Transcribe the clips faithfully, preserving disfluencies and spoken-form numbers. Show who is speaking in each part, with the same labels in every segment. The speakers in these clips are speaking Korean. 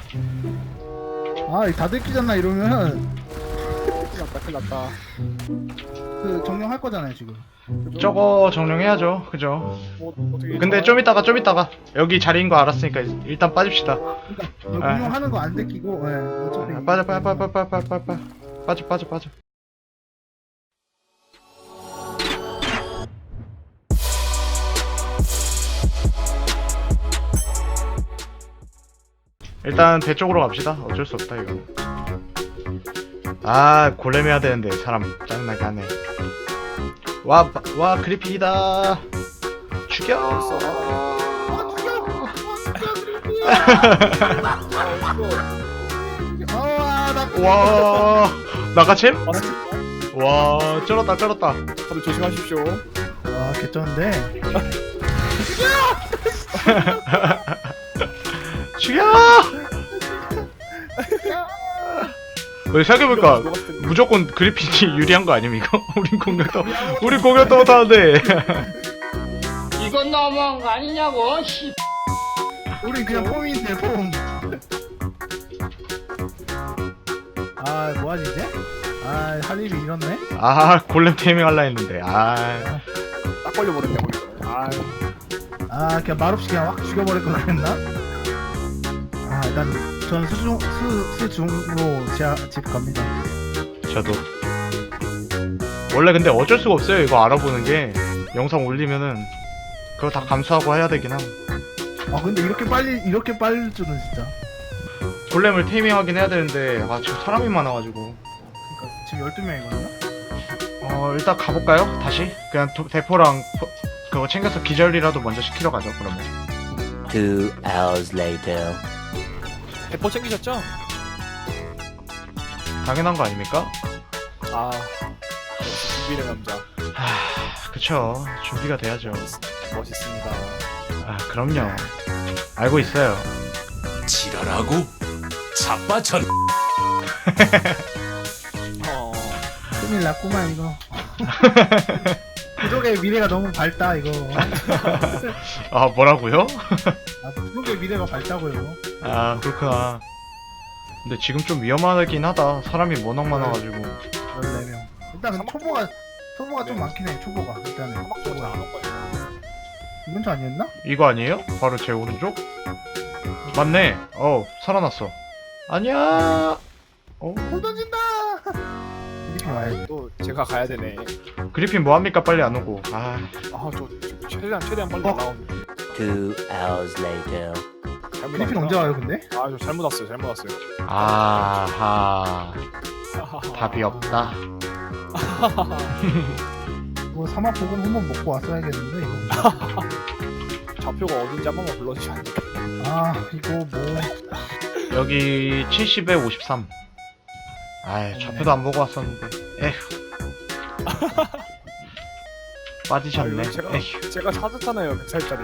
Speaker 1: 아, 다 들키잖아 이러면.
Speaker 2: 큰일 났다 큰일 났다.
Speaker 1: 그 정령할 거잖아요 지금.
Speaker 3: 저거 정령해야죠. 그죠?
Speaker 2: 뭐 어떻게
Speaker 3: 근데 좀 이따가 좀 이따가 여기 자리인 거 알았으니까 일단 빠집시다.
Speaker 1: 그러니까 정령하는 거 안 들키고, 예, 어차피.
Speaker 3: 아, 빠져 빠져 빠져 빠져 빠져 빠져 빠져 빠져 빠져. 일단 배 쪽으로 갑시다. 어쩔 수 없다 이거. 아 골렘 해야 되는데 사람 짜증나게 하네. 와 와 그리핀이다. 죽여.
Speaker 1: 아, 나.
Speaker 3: 와 나가챔?
Speaker 2: 맞습니다.
Speaker 3: 와 쩔었다 쩔었다.
Speaker 2: 다들 조심하십시오.
Speaker 1: 와, 개쩌는데.
Speaker 3: 죽여. 왜 생각해볼까 무조건 그리핀이 유리한 거 아님 이거? 우린 공격도 우린 공격도 못하는데.
Speaker 4: 이건 너무한 거 아니냐고, 씨.
Speaker 1: 우리 그냥 폼인데 폼. 아, 뭐하지 이제? 아, 할 일이 이렇네.
Speaker 3: 아 골렘 테이밍 할라 했는데. 아
Speaker 2: 딱 걸려버렸네 거기서. 아
Speaker 1: 아, 그냥 말없이 그냥 확 죽여버릴 걸 그랬나? 아, 일단 전 수중 수 수중으로 제 집 갑니다.
Speaker 3: 저도 원래 근데 어쩔 수가 없어요. 이거 알아보는 게 영상 올리면은 그거 다 감수하고 해야 되긴 함.
Speaker 1: 아, 근데 이렇게 빨리 이렇게 빨리 줄은 진짜.
Speaker 3: 골렘을 테이밍 하긴 해야 되는데 아 지금 사람이 많아가지고.
Speaker 1: 그러니까 지금 열두 명이거든요.
Speaker 3: 어 일단 가볼까요? 다시 그냥 도, 대포랑 포, 그거 챙겨서 기절이라도 먼저 시키러 가죠. 그러면
Speaker 5: Two hours later.
Speaker 2: 대포 챙기셨죠?
Speaker 3: 당연한 거 아닙니까?
Speaker 2: 아 역시 준비된 남자.
Speaker 3: 하 그쵸. 준비가 돼야죠.
Speaker 2: 멋있습니다.
Speaker 3: 아 그럼요. 알고 있어요.
Speaker 6: 지랄하고 자빠천.
Speaker 2: 어
Speaker 1: 큰일 났구만 이거. 부족의 미래가 너무 밝다 이거.
Speaker 3: 아 뭐라고요?
Speaker 1: 아, 부족의 미래가 밝다고요.
Speaker 3: 아 그렇구나. 근데 지금 좀 위험하긴 하다. 사람이 워낙 많아가지고.
Speaker 1: 열네 명. 일단 근데 초보가 초보가 좀 많긴 해. 초보가 일단은.
Speaker 2: 사막적으로 안온 거야.
Speaker 1: 이건 저 아니었나?
Speaker 3: 이거 아니에요? 바로 제 오른쪽? 맞네. 어 살아났어. 아니야. 어
Speaker 1: 돌 던진다. 이렇게 와야지.
Speaker 2: 또 제가 가야 되네.
Speaker 3: 그리핀 뭐합니까? 빨리 안 오고. 아
Speaker 2: 아저 최대한 최대한 빨리
Speaker 1: 어?
Speaker 2: 나오는데.
Speaker 5: Two hours later.
Speaker 2: 잘못
Speaker 1: 그리핀
Speaker 2: 왔구나.
Speaker 1: 언제 와요 근데?
Speaker 2: 아저 잘못 왔어요. 잘못 왔어요.
Speaker 3: 아하 답이 없다.
Speaker 1: 뭐 사막 보금 한번 먹고 왔어야겠는데 이거.
Speaker 2: 좌표가 어딘지 한 번만 불러주시면 안 될까요?
Speaker 1: 아 이거 뭐
Speaker 3: 여기 칠십에 오십삼. 아이 좌표도 안 보고 왔었는데. 에휴. 빠지셨네.
Speaker 2: 아, 이거 제가-
Speaker 3: 에휴.
Speaker 2: 제가 찾았잖아요. 백 살짜리.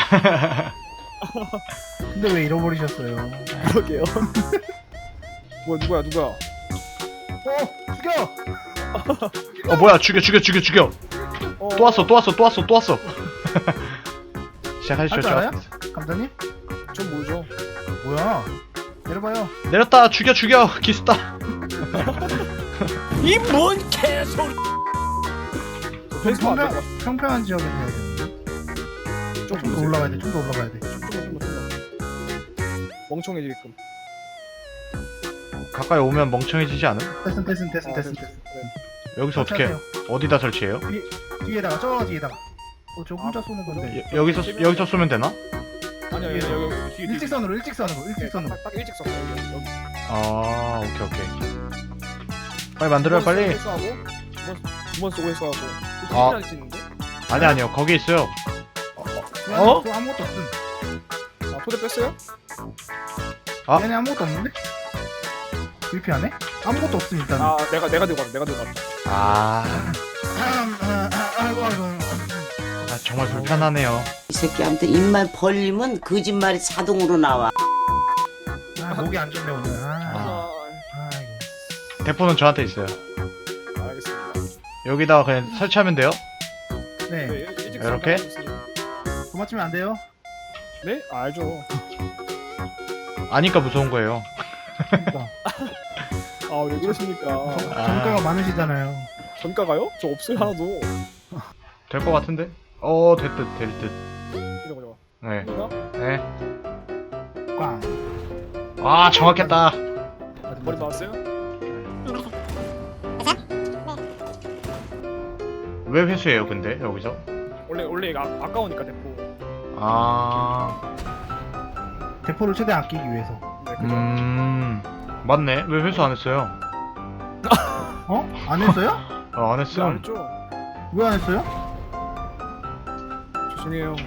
Speaker 1: 근데 왜 잃어버리셨어요?
Speaker 2: 그러게요. 뭐야 누구야 누구야?
Speaker 1: 어 죽여!
Speaker 3: 어 뭐야 죽여 죽여 죽여 죽여.
Speaker 2: 어,
Speaker 3: 또 왔어 또 왔어 또 왔어 또 왔어. 시작하시죠.
Speaker 1: 할 줄 알아요? 감독님?
Speaker 2: 좀 모르죠.
Speaker 1: 뭐야? 내려봐요.
Speaker 3: 내렸다 죽여 죽여 기스다.
Speaker 6: 이 뭔 개소리.
Speaker 2: 저 페이스북 안
Speaker 1: 평평,
Speaker 2: 돼요.
Speaker 1: 평평한 지역에 해야 되는데.
Speaker 2: 좀
Speaker 1: 좀 더 올라가야 돼. 좀 더 올라가야 돼.
Speaker 2: 좀 더, 좀 더, 좀 더. 멍청해지게끔.
Speaker 3: 가까이 오면 멍청해지지 않음?
Speaker 1: 됐음 됐음 됐음
Speaker 2: 아,
Speaker 1: 됐음
Speaker 2: 됐-
Speaker 1: 됐음.
Speaker 3: 여기서 어떻게 어디다 설치해요?
Speaker 1: 뒤에다가 저 뒤에다가. 어 저 혼자 쏘는 건데.
Speaker 3: 여, 여기서 쏘- 여기서 쏘면 되나?
Speaker 2: 아니야 여기 여기 여기 뒤에
Speaker 1: 일직선으로 일직선으로
Speaker 2: 뒤에.
Speaker 1: 일직선으로.
Speaker 2: 딱, 딱 일직선 여기 여기.
Speaker 3: 아 오케이 오케이. 빨리 만들어요 빨리.
Speaker 2: 회수하고 두번 쏘고 회수하고.
Speaker 3: 아.
Speaker 2: 아. 있는데?
Speaker 3: 아니 아니요 거기 있어요.
Speaker 1: 어? 또 아무것도 없음.
Speaker 2: 아 토대 뺐어요?
Speaker 3: 아.
Speaker 1: 얘네 아무것도 없는데? 불피 안에? 아무것도 없음 일단.
Speaker 2: 아 내가 내가 들고 갔다 내가 들고 갔다.
Speaker 3: 아,
Speaker 1: 아, 아, 아, 아이고 아이고.
Speaker 3: 아 정말 불편하네요.
Speaker 7: 이 새끼한테 입만 벌리면 거짓말이 자동으로 나와.
Speaker 1: 아, 목이 안 좋네 오늘. 아,
Speaker 3: 아.
Speaker 2: 아,
Speaker 1: 아이고.
Speaker 3: 대포는 저한테 있어요.
Speaker 2: 알겠습니다.
Speaker 3: 여기다가 그냥 설치하면 돼요?
Speaker 1: 네.
Speaker 2: 네, 일- 일직선
Speaker 3: 이렇게?
Speaker 2: 딱 있으니까.
Speaker 1: 그거 맞추면 안 돼요?
Speaker 2: 네? 아, 알죠.
Speaker 3: 아니까 무서운 거예요.
Speaker 1: 그러니까
Speaker 2: 아 왜 그러십니까?
Speaker 1: 정- 정가가 많으시잖아요.
Speaker 2: 전가가요? 저 없어요 하나도.
Speaker 3: 될 것 같은데? 어, 될 듯, 될 듯.
Speaker 2: 이거 보자.
Speaker 3: 네,
Speaker 2: 이거?
Speaker 3: 네.
Speaker 1: 꽝.
Speaker 3: 아, 정확했다.
Speaker 2: 머리 나왔어요?
Speaker 3: 왜 회수해요, 근데 여기서?
Speaker 2: 원래 원래 이거 아, 아까우니까 대포.
Speaker 3: 아,
Speaker 1: 대포를 최대한 아끼기 위해서.
Speaker 2: 네 그죠.
Speaker 3: 음, 맞네. 왜 회수 안 했어요?
Speaker 1: 어? 안 했어요?
Speaker 3: 어, 안
Speaker 2: 안
Speaker 3: 했음.
Speaker 2: 했죠?
Speaker 1: 왜 안 했어요?
Speaker 2: 죄송해요.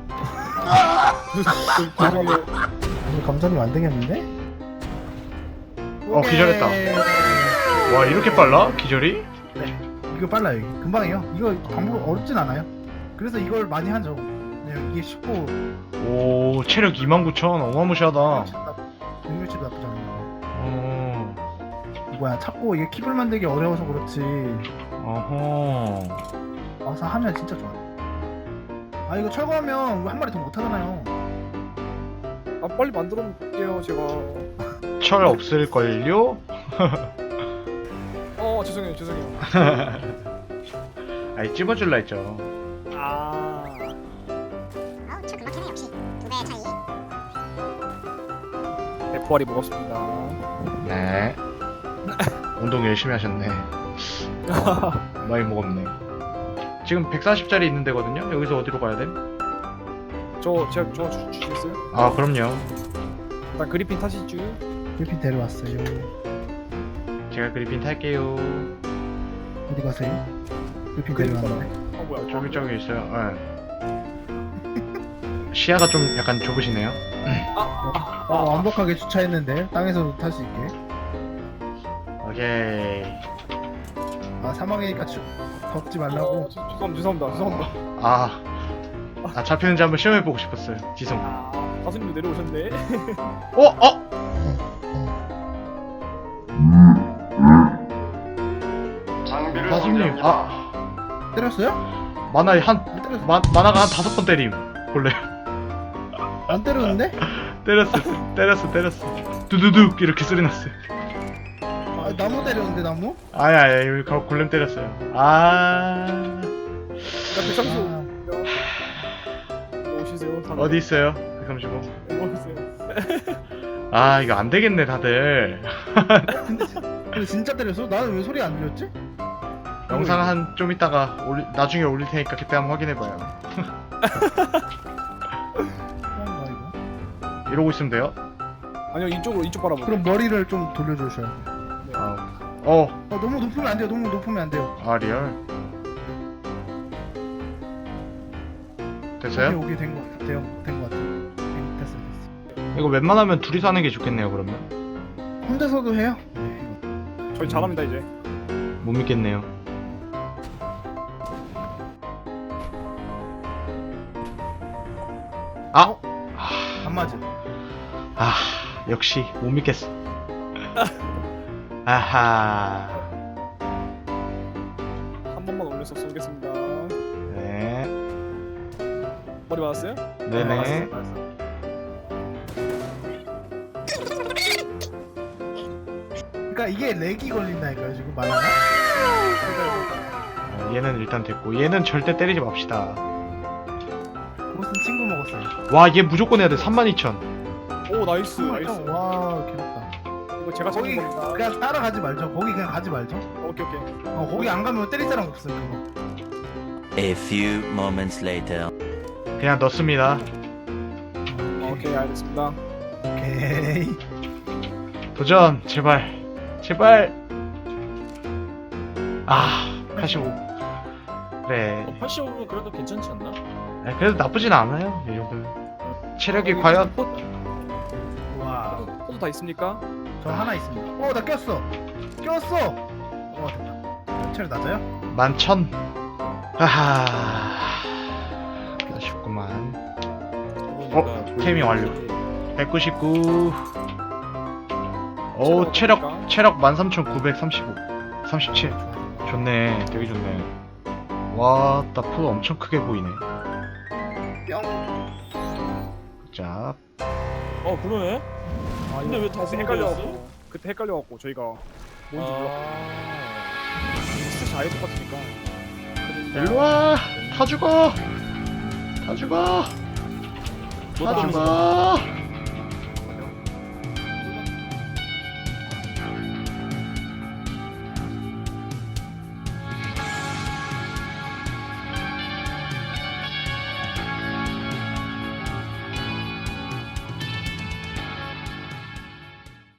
Speaker 2: 죄송해요.
Speaker 1: 오늘 감자님 안 되겠는데?
Speaker 3: 어, 기절했다. 와, 이렇게 빨라? 기절이?
Speaker 1: 이거 빨라요. 이거. 금방이에요. 이거 방법 어렵진 않아요. 그래서 이걸 많이 하죠. 그냥 이게 쉽고
Speaker 3: 오, 체력 이만 구천. 어마무시하다.
Speaker 1: 능률치도 나쁘지 않은 거.
Speaker 3: 어,
Speaker 1: 뭐야 찾고 이게 킵을 만들기 어려워서 그렇지.
Speaker 3: 어허.
Speaker 1: 와서 하면 진짜 좋아. 아 이거 철거하면 한 마리 더 못하잖아요.
Speaker 2: 아 빨리 만들어 볼게요 제가.
Speaker 3: 철 없을걸요?
Speaker 2: 어 죄송해요 죄송해요.
Speaker 3: 아이, 찝어줄라 했죠.
Speaker 2: 아.
Speaker 8: 아우 저 금방 캐네 역시 두 배의 차이.
Speaker 2: 대포알이 먹었습니다.
Speaker 3: 네. 운동 열심히 하셨네. 많이 먹었네. 지금 백사십짜리 있는 데거든요? 여기서 어디로 가야 돼?
Speaker 2: 저 제가 저 주- 주시겠어요?
Speaker 3: 아, 그럼요.
Speaker 2: 일단 그리핀 타시죠.
Speaker 1: 그리핀 데려왔어요.
Speaker 3: 제가 그리핀 탈게요.
Speaker 1: 어디 가세요? 그리핀
Speaker 2: 그리핀
Speaker 1: 데려왔는데.
Speaker 2: 어 뭐야?
Speaker 3: 저기 저기 있어요. 네. 시야가 좀 약간 좁으시네요.
Speaker 1: 어, 완벽하게 주차했는데 땅에서도 탈 수 있게.
Speaker 3: 오케이.
Speaker 1: 아 사막이니까 추, 덥지
Speaker 2: 어,
Speaker 1: 말라고.
Speaker 2: 죄- 죄송합니다 죄송합니다 죄송합니다.
Speaker 3: 아, 아 잡히는지 한번 시험해보고 싶었어요. 지성.
Speaker 2: 아 가수님도 내려오셨네.
Speaker 3: 어, 어. 가수님, 아,
Speaker 1: 때렸어요?
Speaker 3: 만화 한
Speaker 1: 안 때렸어.
Speaker 3: 마, 만화가 한 다섯 번 때림. 원래
Speaker 1: 안 때렸는데?
Speaker 3: 때렸어, 때렸어, 때렸어. 두두둑 이렇게 소리 났어요.
Speaker 1: 아, 나무 때렸는데 나무?
Speaker 3: 아야, 아야, 여기 가- 골렘 때렸어요. 아,
Speaker 2: 나 백삼십오. 오시세요. 다들.
Speaker 3: 어디 있어요? 백삼십오.
Speaker 2: 오세요.
Speaker 3: 아, 이거 안 되겠네, 다들.
Speaker 1: 근데, 진- 근데 진짜 때렸어? 나는 왜 소리 안 들렸지?
Speaker 3: 영상 한 좀 이따가 올리, 나중에 올릴 테니까 그때 한번 확인해봐요.
Speaker 1: 그런가 이거?
Speaker 3: 이러고 있으면 돼요?
Speaker 2: 아니요 이쪽으로 이쪽 바라보고.
Speaker 1: 그럼 머리를 좀 돌려주셔야 돼.
Speaker 3: 아, 어,
Speaker 1: 어, 너무 높으면 안 돼요. 너무 높으면 안 돼요.
Speaker 3: 아 리얼. 됐어요?
Speaker 1: 오케이, 오케이 된거 같아요. 된거 같아요. 네, 됐어, 됐어.
Speaker 3: 이거 웬만하면 둘이서 하는 게 좋겠네요. 그러면
Speaker 1: 혼자서도 해요?
Speaker 2: 저희 잘합니다 이제.
Speaker 3: 못 믿겠네요. 아,
Speaker 1: 안 맞아.
Speaker 3: 아, 역시 못 믿겠어. 아하.
Speaker 2: 한 번만 올려서 쏘겠습니다.
Speaker 3: 네,
Speaker 2: 머리 맞았어요?
Speaker 3: 네네.
Speaker 1: 그러니까 이게 렉이 걸린다니까요 지금 만화가?
Speaker 3: 어, 얘는 일단 됐고, 얘는 절대 때리지 맙시다.
Speaker 1: 보스는 친구 먹었어요.
Speaker 3: 와, 얘 무조건 해야 돼. 삼만 이천.
Speaker 2: 오 나이스 나이스.
Speaker 1: 와 괴롭다.
Speaker 2: 이거 제가 잡은
Speaker 1: 거기
Speaker 2: 겁니다.
Speaker 1: 그냥 따라가지 말죠. 거기 그냥 가지 말죠.
Speaker 2: 오케이 오케이.
Speaker 1: 어, 거기 안 가면 때릴 사람 없어요. 그거.
Speaker 5: A few moments later.
Speaker 3: 그냥 넣습니다.
Speaker 2: 오케이 알겠습니다.
Speaker 1: 오케이.
Speaker 3: 도전, 제발, 제발. 아, 팔십오. 그래.
Speaker 6: 팔십오면 그래도 괜찮지 않나?
Speaker 3: 아, 그래도 나쁘진 않아요. 이 정도면. 체력이 과연?
Speaker 1: 와.
Speaker 2: 포도 다 있습니까?
Speaker 1: 저 하나 있습니다. 어, 나 꼈어. 꼈어. 어, 됐다. 체력 낮아요?
Speaker 3: 만천. 하하. 아쉽구만. 어, 태밍 완료. 백구십구. 오, 체력, 체력 만 삼천 구백삼십오. 삼십칠. 좋네. 되게 좋네. 와, 나 포도 엄청 크게 보이네.
Speaker 1: 뿅.
Speaker 3: 자,
Speaker 6: 어 그러네.
Speaker 2: 아,
Speaker 6: 근데 왜 다섯
Speaker 2: 그때
Speaker 6: 개였어?
Speaker 2: 헷갈려갖고 그때 헷갈려갖고 저희가 뭔지 몰랐고
Speaker 6: 아.
Speaker 2: 스탯이 아예 똑같으니까.
Speaker 3: 일로와 다 죽어 다 죽어 다 죽어